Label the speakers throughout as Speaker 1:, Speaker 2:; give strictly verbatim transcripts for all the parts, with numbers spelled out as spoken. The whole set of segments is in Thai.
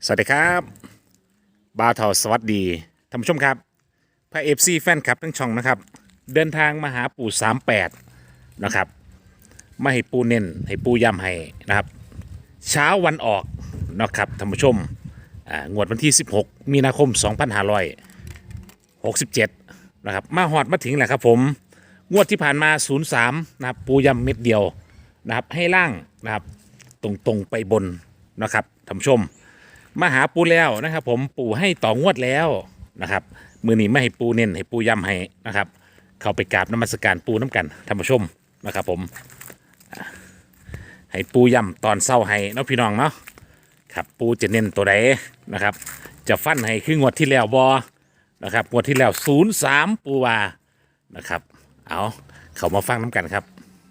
Speaker 1: สวัสดีครับบาวเทาสวัสดีท่านผู้ชมครับพระเอฟซีแฟนคลับทั้งช่องนะครับเดินทางมาหาปู่สามแปดนะครับมาให้ปูเน้นให้ปูย้ำให้นะครับเช้าวันออกนะครับท่านผู้ชมอ่างวดวันที่สิบหกมีนาคมสองพันห้าร้อยหกสิบเจ็ดนะครับมาหอดมาถึงแหละครับผมงวดที่ผ่านมาศูนย์สามนะครับปูย้ำเม็ดเดียวนะครับให้ล่างนะครับตรงๆไปบนนะครับท่านผู้ชม มาหาปูแล้วนะครับผมปูให้ต่องวดแล้วนะครับมือนี้ไม่ให้ปูเน้นให้ปูย้ำให้นะครับเข้าไปกราบนมัสการปูน้ำกันท่านผู้ชมนะครับผมอ่าให้ปูย้ำตอนเศร้าให้เนาะพี่น้องเนาะครับปูจะเน้นตัวใดนะครับจะฟันให้คืองวดที่แล้วบอนะครับงวดที่แล้วศูนย์สามปูวานะครับเอาเข้ามาฟังน้ำกันครับ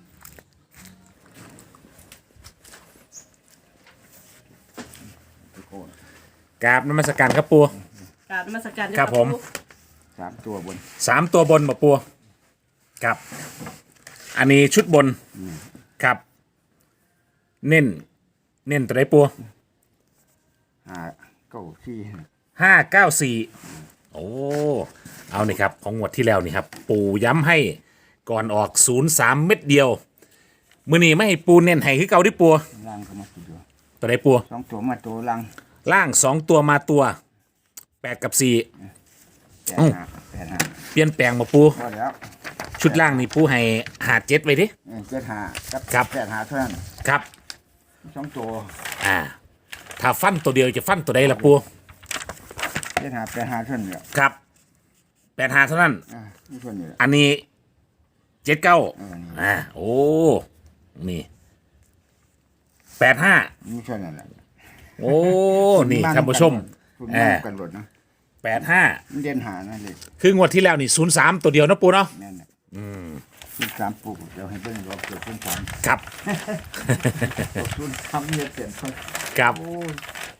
Speaker 1: กราบนมัสการครับปู
Speaker 2: กราบนมัสการเจ้า
Speaker 1: ครับผม
Speaker 2: ปู่
Speaker 3: สามตัวบน
Speaker 1: สามตัวบนบ่ปัวครับ อันนี้ชุดบนครับ เน้นเน้นตัวไหนปัว
Speaker 3: ห้าเก้าสี่
Speaker 1: ห้าเก้าสี่โอ้เอานี่ครับของงวดที่แล้วนี่ครับ ปูย้ำให้ก่อนออกศูนย์สามเม็ดเดียว มือนี้ไม่ให้ปูเน้นให้คือเก่าที่ปัว
Speaker 3: ล่างก็มาตัวเดียว
Speaker 1: ตัวไหนปัว
Speaker 3: สองตัวมาตัวล่าง
Speaker 1: ล่างสองตัวมาตัวแปดกับสี่
Speaker 3: แปด
Speaker 1: อืม
Speaker 3: ห้าแปดห้า
Speaker 1: เปลี่ยนแปลงมาปู
Speaker 3: พอแล้ว
Speaker 1: ชุดล่างนี่ปูให้หาเจ็ดไว้ดิ
Speaker 3: เออเจ็ดห้ากับ
Speaker 1: ครับ
Speaker 3: แปดห้าเท่านั้น
Speaker 1: ครับ
Speaker 3: สองตัว
Speaker 1: อ่าถ้าฟันตัวเดียวจะฟันตัวใดล่ะปู
Speaker 3: เจ็ดห้าแปดห้าเท่านั้นแหละ
Speaker 1: ครับแปดหาเท่านั้น
Speaker 3: อ่านี่เท่านี้แหละ
Speaker 1: อันนี้เจ็ดเก้า
Speaker 3: เออนี่
Speaker 1: อ่าโอ้นี่แปดห้า
Speaker 3: นี่เท่านั้นแหละ
Speaker 1: โอ้นี่ท่านผู้ชม
Speaker 3: คุณ
Speaker 1: เอ
Speaker 3: มา
Speaker 1: อ
Speaker 3: กันหมดนะ
Speaker 1: แปดห้า
Speaker 3: มันเด่นหานั่นเลย
Speaker 1: คืองวดที่แล้วนี่ศูนย์สามตัวเดียวนะปูเนาะ
Speaker 3: แม่นแหละคุณสามปลูกเดี๋ยวให้เบิ้งรอบเกิดคุณสาม
Speaker 1: ครับ
Speaker 3: คุณทำเนี่ยเสร็จเขา
Speaker 1: ครับ
Speaker 3: โอ้ย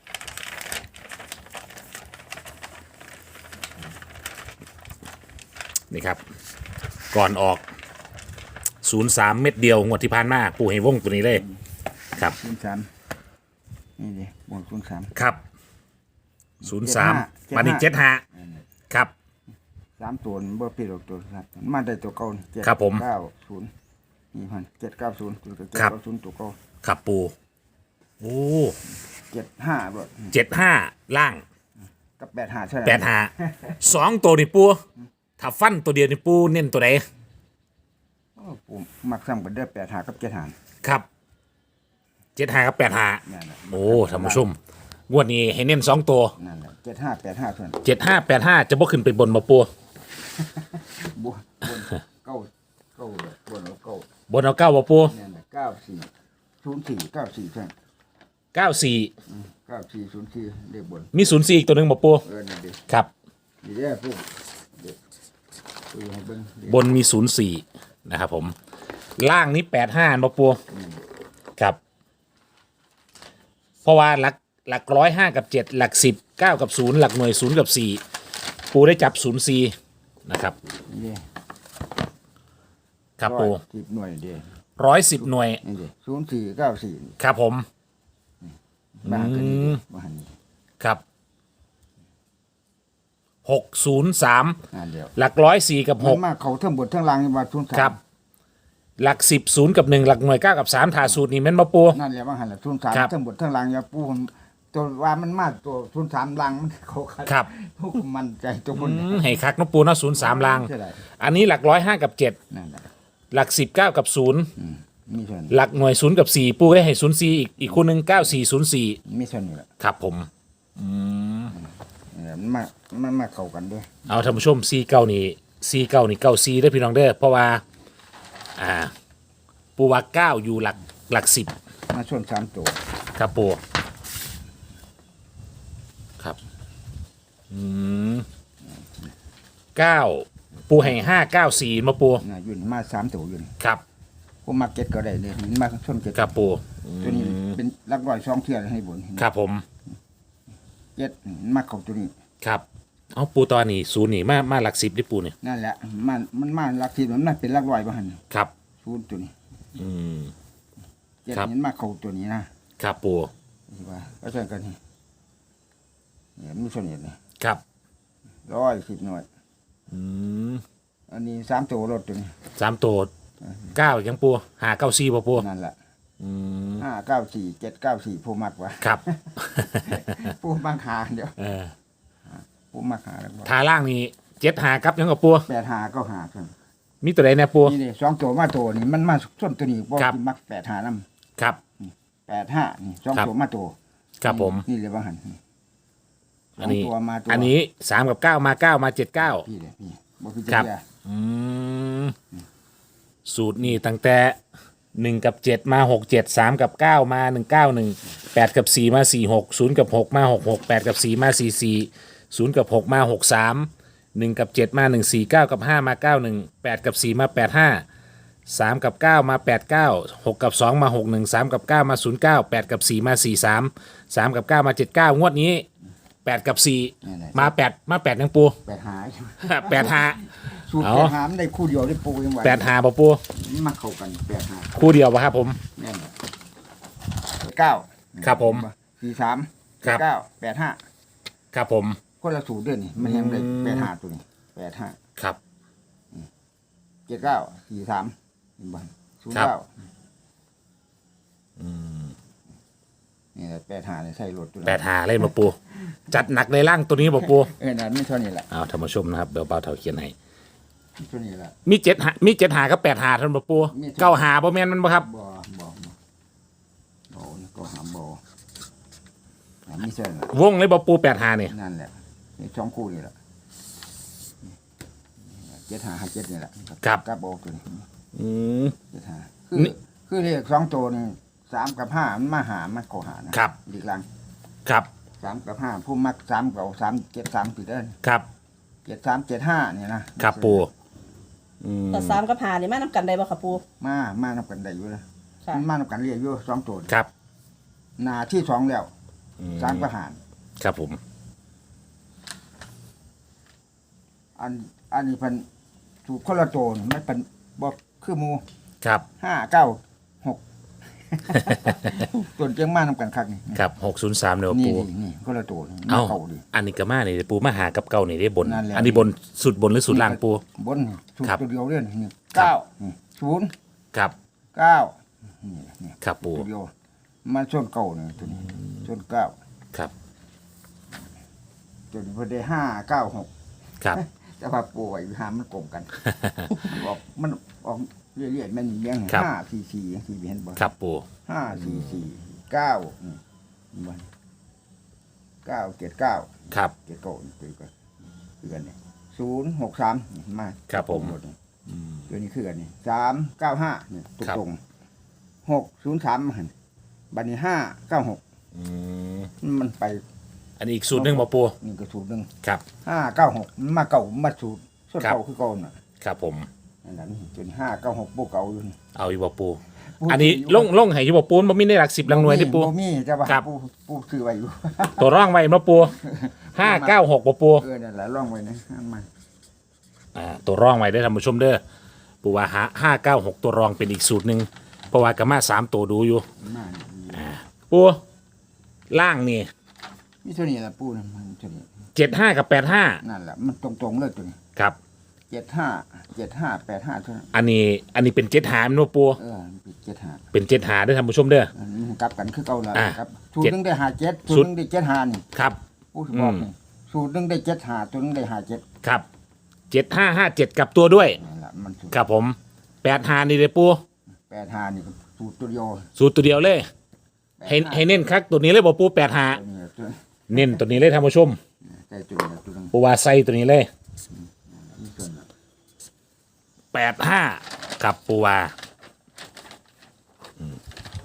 Speaker 1: นี่ครับ ก่อนออกศูนย์สามเม็ดเดียวงวดที่ผ่านมาปูให้วงตัวนี้เลย ครับ
Speaker 3: คุณสามนี่ดิบวกคุณสาม
Speaker 1: ครับศูนย์สาม
Speaker 3: เจ็ดห้า
Speaker 1: มานี่เจ็ดห้าครับ
Speaker 3: สามตัวมันบ่ผิดหรอกตัวครับมันมาได้ตัวเก่าเจ็ด
Speaker 1: ครับผม
Speaker 3: เก้าศูนย์นี่พันเจ็ดเก้าศูนย์ตัวเจ็ด
Speaker 1: ครับ
Speaker 3: เก้าศูนย์ตัวเก่า
Speaker 1: ครับปูโอ้
Speaker 3: เจ็ดห้าบ่
Speaker 1: เจ็ดห้าล่าง
Speaker 3: กับแปดห้าใช่ไหม
Speaker 1: แปดหาสองตัวนี่ปูถ้าฟันตัวเดียวนี่ปูเน้นตัวไหน
Speaker 3: โอ้ผมมักซ้ำกันได้แปดห้ากับเจ็ดห้า
Speaker 1: ครับเจ็ดหากับแปดหา
Speaker 3: นั่นแหละ
Speaker 1: โอ้ท่านผู้ชมงวดนี้ให้เน้นสองตัว
Speaker 3: นั่นแหละเจ็ดห้าแปดห้าส่วน
Speaker 1: เจ็ดห้าแปดห้าจะบ่ขึ้นไปบนมาปู
Speaker 3: บวบนเก้าเก้าเลยบนเอาเก้า
Speaker 1: บนเอาเก้ามาปู
Speaker 3: นั่นแหละเก้าสี่ศูนย์สี่เก้าสี่ใช่
Speaker 1: เก้าสี่
Speaker 3: เก้าสี่ศูนย์สี่เรียกบน
Speaker 1: มีศูนย์สี่อีกตัวหนึ่งมาปู
Speaker 3: เออนี่ดิ
Speaker 1: ครับ
Speaker 3: นี่เด้อพวกเด็กตัวให้เบิ่งดิ
Speaker 1: บนมีศูนย์สี่นะครับผมล่างนี้แปดห้ามาปูครับเพราะว่าหลักหลักร้อยห้ากับเจ็ดหลักสิบเก้ากับศูนย์หลักหน่วยศูนย์กับสี่ปูได้จับศูนย์สี่นะครับ
Speaker 3: นี่
Speaker 1: ครับ
Speaker 3: ร้อย
Speaker 1: ปู
Speaker 3: สิบหน่วยเดียว
Speaker 1: ร้อยสิบหน่วย
Speaker 3: นี่ดิศูนย์สี่เก้าสี่
Speaker 1: ครับผม
Speaker 3: บ้านกันนี่ดิบ้านนี้
Speaker 1: ครับหกศูนย์สาม
Speaker 3: อ่าเดียว
Speaker 1: หลักร้อยสี่กับห
Speaker 3: มัน
Speaker 1: ก
Speaker 3: มาเขาทั้งบนทั้งล่างมาทุนสาม
Speaker 1: ครับ หลักสิบศูนย์กับหนึ่งหลักหน่วยเก้ากับสามถาสูตรนี่แม่นมาปู
Speaker 3: นั่นแหละว่าหันละทุนสาม
Speaker 1: ครับ
Speaker 3: ทั้งบนทั้งล่างอย่าปูผมตัวว่ามันมาตัวทุนสามล่างมันเขาขัด
Speaker 1: ครับ
Speaker 3: พวกมันใจตัวคน
Speaker 1: อืมให้คักเนาะปูเนาะศูนย์สามลาง
Speaker 3: ใช่ไหม
Speaker 1: อันนี้หลักร้อยห้ากับเจ็ด
Speaker 3: นั่นแหละ
Speaker 1: หลักสิบเก้ากับศูนย์
Speaker 3: มีส่วน
Speaker 1: หลักหน่วยศูนย์กับสี่ปูได้ให้ศูนย์สี่อีกอีกคู่หนึ่งเก้าสี่ศูนย์สี่
Speaker 3: มีส่วนนี่แหละ
Speaker 1: ครับผม
Speaker 3: เออมันมามันมาเข้ากันด้วย
Speaker 1: เอาท่านผู้ชมสี่เก้านี่สี่เก้านี่เก้าสี่ได้อพี่น้องเด้อเพราะว่า อ่า ปูว่าเก้าอยู่หลักหลักสิบ
Speaker 3: มาส่วนสามตัว
Speaker 1: ครับปูครับอืมเก้าปูให้ห้าเก้าสี่มาปู
Speaker 3: นะอยืนมาสามตัวอยืน
Speaker 1: ครับ
Speaker 3: ผมมาเก็ตก็ได้เลยมันมาส่วนเก็ต
Speaker 1: ครับปู
Speaker 3: ตัวนี้เป็นลักร้อยสองเทียนให้บน
Speaker 1: ครับผม
Speaker 3: เก็ตมาเข้าตัวนี้
Speaker 1: ครับเอาปูตอนนี้ศูนย์นี่มามาหลักสิบได้ปูนี่
Speaker 3: นั่นแหละมันมันมาลักทีมันน่าเป็นลักร้อยบ้าน
Speaker 1: ครับ
Speaker 3: ศูนย์ตัวนี้
Speaker 1: อืม
Speaker 3: เจ็ด
Speaker 1: ครับ
Speaker 3: เห็นมาเข้าตัวนี้นะครับ
Speaker 1: ปู
Speaker 3: ที่ว่าก็ใช่กันนี่เนี่ยมีส่วนนี้นี่
Speaker 1: ครับ
Speaker 3: ร้อยสิบหน่วย
Speaker 1: อืม
Speaker 3: อันนี้สามตัวรถตัวนี้
Speaker 1: สามตัวเก้ายังปูหาเก้าสี่บ่ปู
Speaker 3: นั่นแหละ
Speaker 1: อืม
Speaker 3: ห้าเก้าสี่เจ็ดเก้าสี่ผู้มักวะ
Speaker 1: ครับ
Speaker 3: ผู้มักหาเดี๋ยว
Speaker 1: เออ
Speaker 3: ผู้มักหาแล้ว
Speaker 1: ทาล่างนี่เจ็ดหาครับยังกับปู
Speaker 3: แปดหาก็หาเพิ่น
Speaker 1: มีตัวใดแน่ปู
Speaker 3: นี่นี่สองตัวมาตัวนี่มันมาส้นตัวนี้บ่
Speaker 1: ครับ
Speaker 3: ที่มักแปดหานำ
Speaker 1: ครับ
Speaker 3: แปดห้านี่สอง
Speaker 1: ครับ
Speaker 3: ตัวมาตัว
Speaker 1: ครับผม
Speaker 3: นี่เลยว่าหัน
Speaker 1: อันนี้
Speaker 3: สงตัวมาตัว
Speaker 1: อันนี้สามกับเก้ามาเก้ามาเจ็ดเก้า
Speaker 3: พี่เลยพี่บ่คือ
Speaker 1: ครั
Speaker 3: จะ
Speaker 1: บ
Speaker 3: เสีย
Speaker 1: อืมสูตรนี่ตั้งแต่หนึ่งกับเจ็ดมาหกเจ็ดสามกับเก้ามาหนึ่งเก้าหนึ่งแปดกับสี่มาสี่หกศูนย์กับหกมาหกหกแปดกับสี่มาสี่สี่ศูนย์กับหกมาหกสามหนึ่งกับเจ็ดมาหนึ่งสี่เก้ากับห้ามาเก้าหนึ่งแปดกับสี่มาแปดห้าสามกับเก้ามาแปดเก้าหกกับสองมาหกหนึ่งสามกับเก้ามาศูนย์เก้าแปดกับสี่มาสี่สามสามกับเก้ามาเจ็ดเก้างวดนี้แปดกับสี่มาแปดมาแปดยังปู
Speaker 3: แปดหา
Speaker 1: แปดห้า
Speaker 3: สูตร
Speaker 1: เอา
Speaker 3: แปดหามันได้คู่เดียวได้ปูยังไหว
Speaker 1: แปดห้าปะปู
Speaker 3: มันมาเข้ากันแปดหา
Speaker 1: คู่เดียวปะครับผม
Speaker 3: แน่นอนเก้า
Speaker 1: ครับผม
Speaker 3: สี่สาม
Speaker 1: ครับ
Speaker 3: เก้าแปดห้า
Speaker 1: ครับผม
Speaker 3: คนละสูตรเด้วยนี่มันยังได้
Speaker 1: อืม
Speaker 3: แปดหาตัวนี้แปดห้า
Speaker 1: ครับ
Speaker 3: เจ็ดเก้าสี่สามเห็นบ่ศูนย์
Speaker 1: ครับ
Speaker 3: เก้านี่แหละแปดหาเนี่ยใส่รถตัวนั้น
Speaker 1: แปดหาเล่นมาปู จัดหนักในร่างตัวนี้ปะปู
Speaker 3: เออนั่นไม่เท่านี้แหละ
Speaker 1: เอาท่านผู้ชมนะครับเดี๋ยวเบาเท่าเขียนให้
Speaker 3: เท่านี้แหละ
Speaker 1: มีเจ็ดหามีเจ็ดหากับแปดหาท่านปะปู
Speaker 3: มี
Speaker 1: เก้าหาบ่แมนมันปะครับ
Speaker 3: บ่บ่บ่บ่นี่ก็หาบ่หาไม่ใช่น่ะ
Speaker 1: วงเลยปะปูแปดหาเนี่ย
Speaker 3: นั่นแหละนี่สองคู่นี่แหละเจ็ดหาหาเจ็ดนี่แหละกับโบตัวนี้
Speaker 1: อืม
Speaker 3: เจ็ดหาคือ
Speaker 1: นี่
Speaker 3: คือเลขสองตัวนี่สามกับห้ามันมาหามันก็หานะครับ ดีกลัง
Speaker 1: ครับ
Speaker 3: สามกับห้าผู้มักสามกับสามเจ็ดสามติดเด้อ
Speaker 1: ครับ
Speaker 3: เจ็ดสามเจ็ดห้าเนี่ยนะครับ
Speaker 1: ปูอืม
Speaker 2: แต่สามกับหานี่มานํกันได้บ่ค่ะปู
Speaker 3: มามานับกันได้อยู่เลย
Speaker 2: ค่ะ
Speaker 3: มันมานับกันเรียกอยู่สองตัว
Speaker 1: ครับ
Speaker 3: หนาที่สองแล้ว
Speaker 1: อืม
Speaker 3: สามกับหาร
Speaker 1: ครับผม
Speaker 3: อันอันนี้เป็นถูกคนละตัวนี่มันเป็นบอกคือหมู
Speaker 1: ครับ
Speaker 3: ห้าเก้าหก ตัวเจียงมานำกันคักนี่
Speaker 1: ครับหกศูนย์สามเดี๋ยว
Speaker 3: นี่
Speaker 1: ปู
Speaker 3: นี่นี่คนละตัวนี่
Speaker 1: เอ้า
Speaker 3: เก่าดิ
Speaker 1: อันนี้ก็มาเนี่ยปูมาหากับเก่านี่ได้บน
Speaker 3: นั่นแหละ
Speaker 1: อันนี้บนสุดบนหรือสุดล่างปู
Speaker 3: บนนี่ถูก
Speaker 1: ครับ
Speaker 3: ตัวเดียวเล่นนี่
Speaker 1: ครับ
Speaker 3: เก้านี่ศูนย์
Speaker 1: ครับ
Speaker 3: เก้านี่นี่
Speaker 1: ครับปู
Speaker 3: ตัวเดียวมาส่วนเก่านี่ตัวนี้ส่วนเก้า
Speaker 1: ครับ
Speaker 3: ตัวนี้เพอได้ห้าเก้าหก
Speaker 1: ครับ
Speaker 3: แต่ว่าปูไว้หามันกลมกัน มันออกมันออกเรื่อยๆมันเลี้ยง
Speaker 1: ครับ
Speaker 3: ห้าสี่สี่สี่เห็นบ่
Speaker 1: ครับปู
Speaker 3: ห้าสี่สี่เก้านี่บ่เก้าเจ็ดเก้า
Speaker 1: ครับ
Speaker 3: เจ็ดเก้านี่คือกันคือกันนี่ศูนย์หกสามนี่มา
Speaker 1: ครับผม
Speaker 3: หดนี่ตัวนี้คือกันนี่สามเก้าห้านี่ตรง
Speaker 1: ครับ
Speaker 3: ตรงหกศูนย์สามหันบัดนี้ห้าเก้าหก
Speaker 1: อืม
Speaker 3: มันไป
Speaker 1: อันนี้อีกสูตรหนึ่งมาปู
Speaker 3: นี่ก็สูตรหนึ่ง
Speaker 1: ครับ
Speaker 3: ห้าเก้าหกมันมาเก่ามาสูตรสูตร
Speaker 1: ครับ
Speaker 3: เก่าคือเก่าน่ะ
Speaker 1: ครับผม
Speaker 3: อันนั้นจนห้าเก้าหกปูเก่าอยู่นี่
Speaker 1: เอาอยู่บ่ปู
Speaker 3: ปู
Speaker 1: อันนี้
Speaker 3: ยู่
Speaker 1: ลงลงให้อยู่บ่ปูนบ่มีในหลักสิบหลักหน่วยที่ปู
Speaker 3: บ่มีแต่ว่า
Speaker 1: ครับ
Speaker 3: ปูปูซื้อไว้อยู่
Speaker 1: ตัวร่องไว้มาปูห้าเก้าหกบ่ปู
Speaker 3: เออนั่นแหละร่องไว้นะอันมา
Speaker 1: อ่าตัวร่องไว้ได้อท่านผู้ชมเด้อปูว่าห้าเก้าหกตัวรองเป็นอีกสูตรหนึ่งเพราะว่ากะมาสามตัวดูอยู่
Speaker 3: มา
Speaker 1: ปูล่างนี่
Speaker 3: มีเท่านี้แหละปูนะมันเท่านี้
Speaker 1: เจ็ดห้ากับแปดห้า
Speaker 3: นั่นแหละมันตรงๆเลยตัวนี้
Speaker 1: ครับ
Speaker 3: เจ็ดห้าเจ็ดห้าแปดห้าเท่านั้น
Speaker 1: อันนี้อันนี้เป็นเจ็ดหามันบ่ปู
Speaker 3: เออปิดเจ็ดห้า
Speaker 1: เป็นเจ็ดหาได้อท่านผู้ชมเด้อ
Speaker 3: อันนี้มันกลับกันคือเก่าแล้ว
Speaker 1: อ่า
Speaker 3: ครับสูตร
Speaker 1: เจ็ด
Speaker 3: หนึงได้หาเจ็ด
Speaker 1: สู
Speaker 3: สู
Speaker 1: ต
Speaker 3: ต
Speaker 1: ร
Speaker 3: รหนึงได้เจ็ดหานี่
Speaker 1: ครับ
Speaker 3: ปูสิบอก
Speaker 1: อืม
Speaker 3: นี่สูตรหนึงได้เจ็ดหาตัวหนึงได้หาเจ็ด
Speaker 1: ครับเจ็ดห้าห้าเจ็ดกับตัวด้วย
Speaker 3: นั่นแหละมันสูตร
Speaker 1: ครับผมแปดหานี่เลยปู
Speaker 3: แปดหานี่ก็สูตรตัวเดียว
Speaker 1: สูตรตัวเดียวเลย ให้ให้เน้นคักตัวนี้เลยบ่ปูแปดหา
Speaker 3: ตัวนี้ตัว
Speaker 1: เน้นตัวนี้เลยท่านผู้ชม
Speaker 3: ใส่ตัวนี้ตัวนึง
Speaker 1: ปูว่าใส่ตัวนี้เลย
Speaker 3: มีส่วน
Speaker 1: แปดห้ากับปูว่าอืม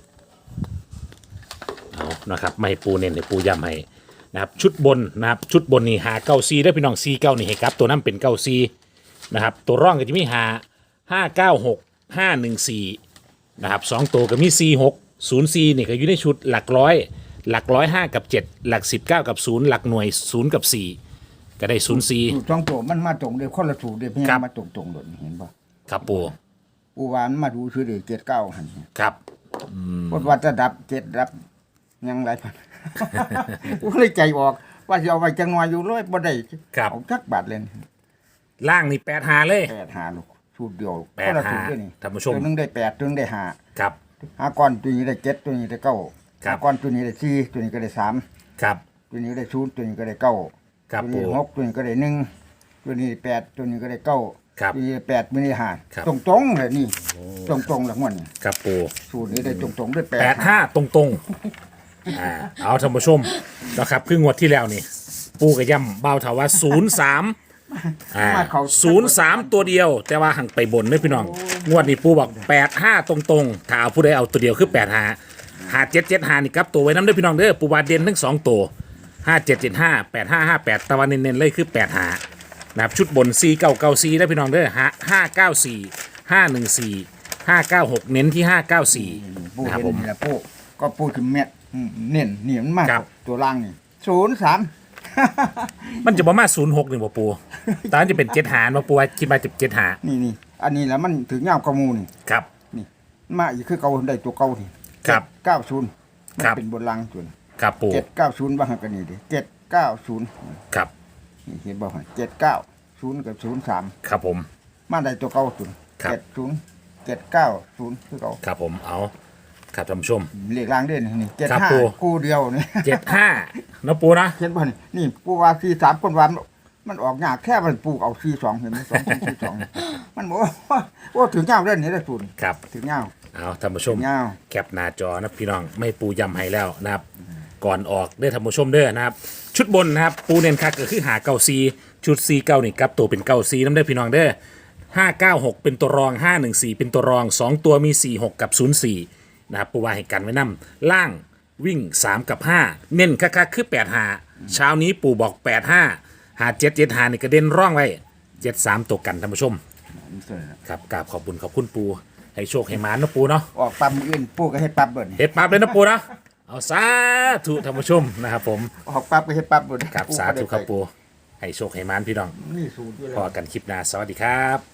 Speaker 1: เอานะครับไม่ให้ปูเน้นให้ปูย้ำให้นะครับชุดบนนะครับชุดบนนี่หาเก้าซีได้อพี่น้องซีเก้านี่ให้ครับตัวนั้นเป็นเก้าซีนะครับตัวร่องก็จะมีหาห้าเก้าหกห้าหนึ่งสี่นะครับสองตัวก็มีซีหกศูนย์ซีนี่ก็อยู่ในชุดหลักร้อย หลักร้อยห้ากับเจ็ดหลักสิบเก้ากับศูนย์หลักหน่วยศูนย์กับสี่ก็ได้ศูนย์ซี
Speaker 3: สูตรสองตัวมันมาตรงเลยคนละสูตรเลยเพียง
Speaker 1: ครับ
Speaker 3: มาตรงตรงๆโดดเห็นป่ะ
Speaker 1: ครับปู
Speaker 3: ปูวานมาดูชื่อเด็กเจ็ดเก้าหัน
Speaker 1: ครับ
Speaker 3: พดว่าจะดับเจ็ดดับยังไรพัน กูเลยใจออกว่าว่าจะเอาไว้จังหน่อยอยู่เลยบ่ได้
Speaker 1: ครับ
Speaker 3: เอาจักบาทเลย
Speaker 1: ล่างนี่แปดหาเลย
Speaker 3: แปดหาลูกสูตรเดียว
Speaker 1: แปด
Speaker 3: คนละ
Speaker 1: หา
Speaker 3: สูตรด้วยนี่
Speaker 1: ท่านผู้ชม
Speaker 3: ตัวหนึงได้แปดตัวหนึงได้ห้า
Speaker 1: ครับ
Speaker 3: ห้าก้อนตัวนี้ได้เจ็ดตัวนี้ได้เก้า
Speaker 1: ครับ
Speaker 3: ห้าก้อนตัวนี้ได้สี่ตัวนี้ก็ได้สาม
Speaker 1: ครับ
Speaker 3: ตัวนี้ได้ศูนย์ตัวนี้ก็ได้เก้า
Speaker 1: ครับ
Speaker 3: ตัวนี้
Speaker 1: ปู่
Speaker 3: หกตัวนี้ก็ได้หนึ่งตัวนี้แปดตัวนี้ก็ได้เก้า
Speaker 1: ครับ
Speaker 3: ตัวนี้แปดตัวนี้ห้า
Speaker 1: ครับ
Speaker 3: ตรงตรงๆเลยนี่ตรงตรงๆหลังมันนี่
Speaker 1: ครับปู
Speaker 3: สูตรนี้ได้ตรงตรงๆด้วยแปด
Speaker 1: แปดห้าตรงตรงๆอ่าเอาท่านผู้ชมนะครับคืองวดที่แล้วนี่ ปูกับย่ำเบาเถาว่าศูนย์สามอ่าศูนย์สามตัวเดียว แต่ว่าหังไปบนไม่พี่น้อง งวดนี้ปูบอกแปดห้าตรงตรงๆถ้าเอาผู้ใดเอาตัวเดียวคือแปดห้าหาเจ็ดเจ็ดห้านี่ครับตัวไว้น้ำเด้อพี่น้องเด้อปูวาเด่นทั้งสองตัวห้าเจ็ดเจ็ดห้าแปดห้าห้าแปดตะวันเน้นๆเลยคือแปดห้านะครับชุดบนสี่เก้าเก้าสี่ได้อพี่น้องเด้อห้าห้าเก้าสี่ห้าหนึ่งสี่ห้าเก้าหกเน้นที่ห้าเก้าสี่
Speaker 3: ปู
Speaker 1: นะครับ
Speaker 3: เห็น
Speaker 1: ผม
Speaker 3: นี่แหละปูก็ปูถึงเม็ดอืมเน้นนี่มันมาก
Speaker 1: ครับ
Speaker 3: ตัวล่างนี่ศูนย์สาม
Speaker 1: มันจะประมาณศูนย์หกหนึ่งบ่ปูตอนนั้นจะเป็นเจ็ดหารมาปูว่าคิดมาจะเจ็ดหา
Speaker 3: นี่นี่อันนี้แหละมันถึงยาวกระมูนี่
Speaker 1: ครับ
Speaker 3: นี่มาอีกคือเก่าได้ตัวเก่านี่
Speaker 1: ครับ
Speaker 3: เก้าศูนย์มัน
Speaker 1: ครับ
Speaker 3: เป็นบนล่างส่วน
Speaker 1: ครับปู
Speaker 3: เจ็ดเก้าศูนย์บ้างกันนี่ดิเจ็ดเก้าศูนย์
Speaker 1: ครับ
Speaker 3: นี่เห็นบ่ฮะเจ็ดเก้าศูนย์กับศูนย์สาม
Speaker 1: ครับผม
Speaker 3: มาได้ตัวเก่าศูนย์
Speaker 1: ครับ
Speaker 3: เจ็ดศูนย์เจ็ดเก้าศูนย์คือเก่า
Speaker 1: ครับผมเอาครับท่านผู้ชม
Speaker 3: เลขล่างเด่นนี่เจ็ด
Speaker 1: ครับ
Speaker 3: ห้า
Speaker 1: ปู่
Speaker 3: คู่เดียวนี่
Speaker 1: เจ็ดห้านะปูนะ
Speaker 3: เห็นบ่นี่นี่ปูว่าสี่สามคนวันมันออกยากแค่มันปลูกเอาสี่สองเห็นไหมสองสี่สองมันบอกว่าโอ้ถึงเงาเล่นนี่ได้ศูนย์
Speaker 1: ครับ
Speaker 3: ถึงเงา
Speaker 1: เอาท่านผู้ชม
Speaker 3: เงา
Speaker 1: แคปหน้าจอนะพี่น้องไม่ปูยำให้แล้วนะครับ ก่อนออกได้อท่านผู้ชมเด้อนะครับ ชุดบนนะครับปูเน้นคักก็คือหาเก้าซีชุดซีเก้านี่กลับตัวเป็นเก้าซีน้ำได้อพี่น้องเด้อห้าเก้าหกเป็นตัวรองห้าหนึ่งสี่เป็นตัวรองสองตัวมีสี่หกกับศูนย์สี่นะครับปูว่าให้กันไว้นำล่างวิ่งสามกับห้าเน้นคักๆคือแปดหาเช้านี้ปูบอกแปดห้าหาเจ็ดเจ็ดหานี่กระเด็นร่องไว้เจ็ดสามตัวกันท่านผู้ชม ครับกราบขอบคุณขอบคุณปูให้โชคให้หมานนะปูเนาะ
Speaker 3: ออกปั๊มออื่นปูก็เฮ็ดปั๊บเบิ่น
Speaker 1: เฮ็ดปั๊บเลยนะปูนะเอาสาธุท่านผู้ชมนะครับผม
Speaker 3: ออกปั๊บก็เฮ็ดปั๊บเบิ่น
Speaker 1: ครับ
Speaker 3: ปู
Speaker 1: สา
Speaker 3: ก็ได้
Speaker 1: ธุครับ
Speaker 3: ไป
Speaker 1: ปูให้โชคให้หมานพี่น้อง
Speaker 3: นี่สูตรอยู่
Speaker 1: พ
Speaker 3: แล้
Speaker 1: อ
Speaker 3: ว
Speaker 1: กันคลิปหน้าสวัสดีครับ